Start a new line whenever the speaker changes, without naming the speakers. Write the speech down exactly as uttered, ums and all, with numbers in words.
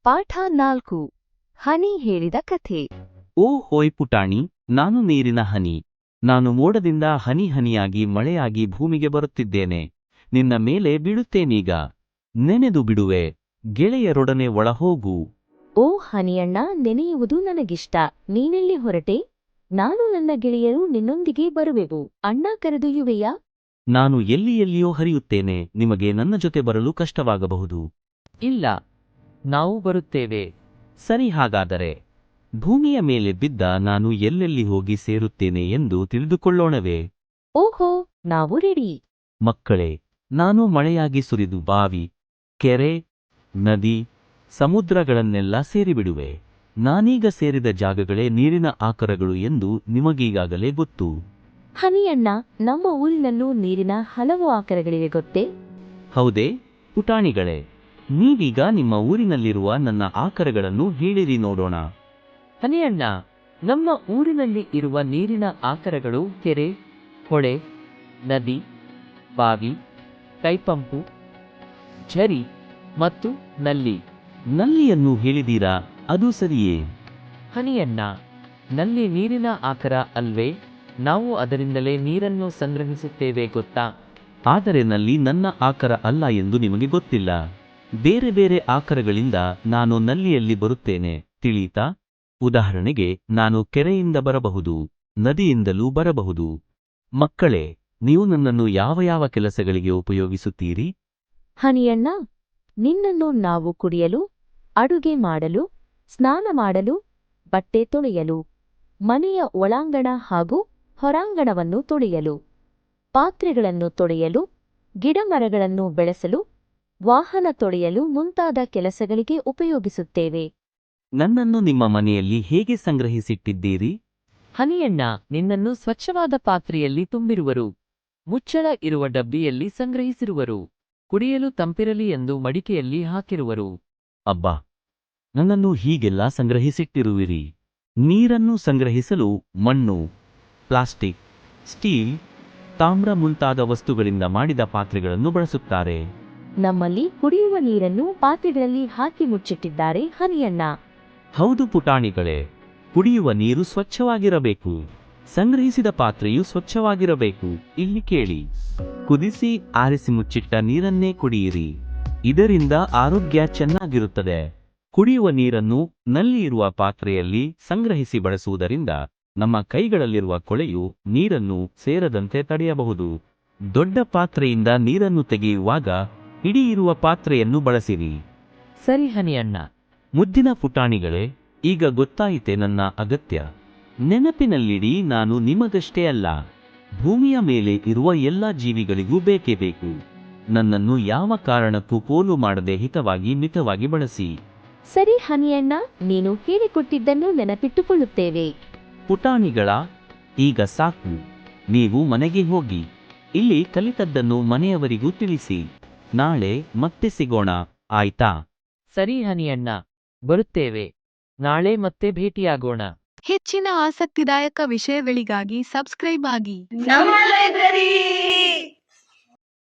ಪಾಠ ನಾಲ್ಕು. ಹನಿ ಹೇಳಿದ ಕಥೆ.
ಓ ಹೋಯ್ ಪುಟಾಣಿ, ನಾನು ನೀರಿನ ಹನಿ. ನಾನು ಮೋಡದಿಂದ ಹನಿ ಹನಿಯಾಗಿ ಮಳೆಯಾಗಿ ಭೂಮಿಗೆ ಬರುತ್ತಿದ್ದೇನೆ. ನಿನ್ನ ಮೇಲೆ ಬೀಳುತ್ತೇನೀಗ. ನೆನೆದು ಬಿಡುವೆ, ಗೆಳೆಯರೊಡನೆ ಒಳಹೋಗು.
ಓ ಹನಿಯಣ್ಣ, ನೆನೆಯುವುದು ನನಗಿಷ್ಟ. ನೀನೆಲ್ಲಿ ಹೊರಟೆ? ನಾನು ನನ್ನ ಗೆಳೆಯರು ನಿನ್ನೊಂದಿಗೆ ಬರುವೆವು. ಅಣ್ಣ ಕರೆದೊಯ್ಯುವೆಯಾ?
ನಾನು ಎಲ್ಲಿ ಎಲ್ಲಿಯೋ ಹರಿಯುತ್ತೇನೆ. ನಿಮಗೆ ನನ್ನ ಜೊತೆ ಬರಲು ಕಷ್ಟವಾಗಬಹುದು.
ಇಲ್ಲ, ನಾವು ಬರುತ್ತೇವೆ.
ಸರಿ, ಹಾಗಾದರೆ ಭೂಮಿಯ ಮೇಲೆ ಬಿದ್ದ ನಾನು ಎಲ್ಲೆಲ್ಲಿ ಹೋಗಿ ಸೇರುತ್ತೇನೆ ಎಂದು ತಿಳಿದುಕೊಳ್ಳೋಣವೇ?
ಓಹೋ, ನಾವು ರೆಡಿ.
ಮಕ್ಕಳೇ, ನಾನು ಮಳೆಯಾಗಿ ಸುರಿದು ಬಾವಿ, ಕೆರೆ, ನದಿ, ಸಮುದ್ರಗಳನ್ನೆಲ್ಲ ಸೇರಿಬಿಡುವೆ. ನಾನೀಗ ಸೇರಿದ ಜಾಗಗಳೇ ನೀರಿನ ಆಕರಗಳು ಎಂದು ನಿಮಗೀಗಾಗಲೇ ಗೊತ್ತು.
ಹನಿಯಣ್ಣ, ನಮ್ಮ ಊರಿನಲ್ಲೂ ನೀರಿನ ಹಲವು ಆಕರಗಳಿವೆ ಗೊತ್ತೇ?
ಹೌದೇ ಪುಟಾಣಿಗಳೇ? ನೀವೀಗ ನಿಮ್ಮ ಊರಿನಲ್ಲಿರುವ ನನ್ನ ಆಕರಗಳನ್ನು ಹೇಳಿರಿ ನೋಡೋಣ.
ಹನಿಯಣ್ಣ, ನಮ್ಮ ಊರಿನಲ್ಲಿ ಇರುವ ನೀರಿನ ಆಕರಗಳು ಕೆರೆ, ಹೊಳೆ, ನದಿ, ಬಾವಿ, ಕೈಪಂಪು, ಝರಿ ಮತ್ತು ನಲ್ಲಿ.
ನಲ್ಲಿಯನ್ನು ಹೇಳಿದೀರಾ? ಅದು ಸರಿಯೇ.
ಹನಿಯಣ್ಣ, ನಲ್ಲಿ ನೀರಿನ ಆಕರ ಅಲ್ವೇ? ನಾವು ಅದರಿಂದಲೇ ನೀರನ್ನು ಸಂಗ್ರಹಿಸುತ್ತೇವೆ ಗೊತ್ತಾ?
ಆದರೆ ನಲ್ಲಿ ನನ್ನ ಆಕರ ಅಲ್ಲ ಎಂದು ನಿಮಗೆ ಗೊತ್ತಿಲ್ಲ. ಬೇರೆ ಬೇರೆ ಆಕರಗಳಿಂದ ನಾನು ನಲ್ಲಿಯಲ್ಲಿ ಬರುತ್ತೇನೆ, ತಿಳಿಯಿತಾ? ಉದಾಹರಣೆಗೆ, ನಾನು ಕೆರೆಯಿಂದ ಬರಬಹುದು, ನದಿಯಿಂದಲೂ ಬರಬಹುದು. ಮಕ್ಕಳೇ, ನೀವು ನನ್ನನ್ನು ಯಾವ ಯಾವ ಕೆಲಸಗಳಿಗೆ ಉಪಯೋಗಿಸುತ್ತೀರಿ?
ಹನಿಯಣ್ಣ, ನಿನ್ನನ್ನು ನಾವು ಕುಡಿಯಲು, ಅಡುಗೆ ಮಾಡಲು, ಸ್ನಾನ ಮಾಡಲು, ಬಟ್ಟೆ ತೊಳೆಯಲು, ಮನೆಯ ಒಳಾಂಗಣ ಹಾಗೂ ಹೊರಾಂಗಣವನ್ನು ತೊಳೆಯಲು, ಪಾತ್ರೆಗಳನ್ನು ತೊಳೆಯಲು, ಗಿಡಮರಗಳನ್ನು ಬೆಳೆಸಲು, ವಾಹನ ತೊಳೆಯಲು ಮುಂತಾದ ಕೆಲಸಗಳಿಗೆ ಉಪಯೋಗಿಸುತ್ತೇವೆ.
ನನ್ನನ್ನು ನಿಮ್ಮ ಮನೆಯಲ್ಲಿ ಹೇಗೆ ಸಂಗ್ರಹಿಸಿಟ್ಟಿದ್ದೀರಿ?
ಹನಿಯಣ್ಣ, ನಿನ್ನನ್ನು ಸ್ವಚ್ಛವಾದ ಪಾತ್ರೆಯಲ್ಲಿ ತುಂಬಿರುವರು, ಮುಚ್ಚಳ ಇರುವ ಡಬ್ಬಿಯಲ್ಲಿ ಸಂಗ್ರಹಿಸಿರುವರು, ಕುಡಿಯಲು ತಂಪಿರಲಿ ಎಂದು ಮಡಿಕೆಯಲ್ಲಿ ಹಾಕಿರುವರು.
ಅಬ್ಬಾ, ನನ್ನನ್ನು ಹೀಗೆಲ್ಲ ಸಂಗ್ರಹಿಸಿಟ್ಟಿರುವಿರಿ. ನೀರನ್ನು ಸಂಗ್ರಹಿಸಲು ಮಣ್ಣು, ಪ್ಲಾಸ್ಟಿಕ್, ಸ್ಟೀಲ್, ತಾಮ್ರ ಮುಂತಾದ ವಸ್ತುಗಳಿಂದ ಮಾಡಿದ ಪಾತ್ರೆಗಳನ್ನು ಬಳಸುತ್ತಾರೆ.
ನಮ್ಮಲ್ಲಿ ಕುಡಿಯುವ ನೀರನ್ನು ಪಾತ್ರೆಗಳಲ್ಲಿ ಹಾಕಿ ಮುಚ್ಚಿಟ್ಟಿದ್ದಾರೆ ಹನಿಯಣ್ಣ.
ಹೌದು ಪುಟಾಣಿಗಳೇ, ಕುಡಿಯುವ ನೀರು ಸ್ವಚ್ಛವಾಗಿರಬೇಕು. ಸಂಗ್ರಹಿಸಿದ ಪಾತ್ರೆಯು ಸ್ವಚ್ಛವಾಗಿರಬೇಕು. ಇಲ್ಲಿ ಕೇಳಿ, ಕುದಿಸಿ ಆರಿಸಿ ಮುಚ್ಚಿಟ್ಟ ನೀರನ್ನೇ ಕುಡಿಯಿರಿ. ಇದರಿಂದ ಆರೋಗ್ಯ ಚೆನ್ನಾಗಿರುತ್ತದೆ. ಕುಡಿಯುವ ನೀರನ್ನು ನಲ್ಲಿ ಇರುವ ಪಾತ್ರೆಯಲ್ಲಿ ಸಂಗ್ರಹಿಸಿ ಬಳಸುವುದರಿಂದ ನಮ್ಮ ಕೈಗಳಲ್ಲಿರುವ ಕೊಳೆಯು ನೀರನ್ನು ಸೇರದಂತೆ ತಡೆಯಬಹುದು. ದೊಡ್ಡ ಪಾತ್ರೆಯಿಂದ ನೀರನ್ನು ತೆಗೆಯುವಾಗ ಇಡೀ ಇರುವ ಪಾತ್ರೆಯನ್ನು ಬಳಸಿರಿ.
ಸರಿ ಹನಿಯಣ್ಣ.
ಮುದ್ದಿನ ಪುಟಾಣಿಗಳೇ, ಈಗ ಗೊತ್ತಾಯಿತೆ ನನ್ನ ಅಗತ್ಯ. ನೆನಪಿನಲ್ಲಿಡಿ, ನಾನು ನಿಮಗಷ್ಟೇ ಅಲ್ಲ, ಭೂಮಿಯ ಮೇಲೆ ಇರುವ ಎಲ್ಲ ಜೀವಿಗಳಿಗೂ ಬೇಕೇ ಬೇಕು. ನನ್ನನ್ನು ಯಾವ ಕಾರಣಕ್ಕೂ ಪೋಲು ಮಾಡದೆ ಹಿತವಾಗಿ ಮಿತವಾಗಿ ಬಳಸಿ.
ಸರಿ ಹನಿಯಣ್ಣ, ನೀನು ಹೇಳಿಕೊಟ್ಟಿದ್ದನ್ನು ನೆನಪಿಟ್ಟುಕೊಳ್ಳುತ್ತೇವೆ.
ಪುಟಾಣಿಗಳ, ಈಗ ಸಾಕು. ನೀವು ಮನೆಗೆ ಹೋಗಿ ಇಲ್ಲಿ ಕಲಿತದ್ದನ್ನು ಮನೆಯವರಿಗೂ ತಿಳಿಸಿ. ನಾಳೆ ಮತ್ತೆ ಸಿಗೋಣ, ಆಯ್ತಾ?
ಸರಿ ಹನಿಯಣ್ಣ, ಬರುತ್ತೇವೆ. ನಾಳೆ ಮತ್ತೆ ಭೇಟಿಯಾಗೋಣ.
ಹೆಚ್ಚಿನ ಆಸಕ್ತಿದಾಯಕ ವಿಷಯಗಳಿಗಾಗಿ ಸಬ್ಸ್ಕ್ರೈಬ್ ಆಗಿ.
ನಮ್ಮ ಲೈಬ್ರರಿ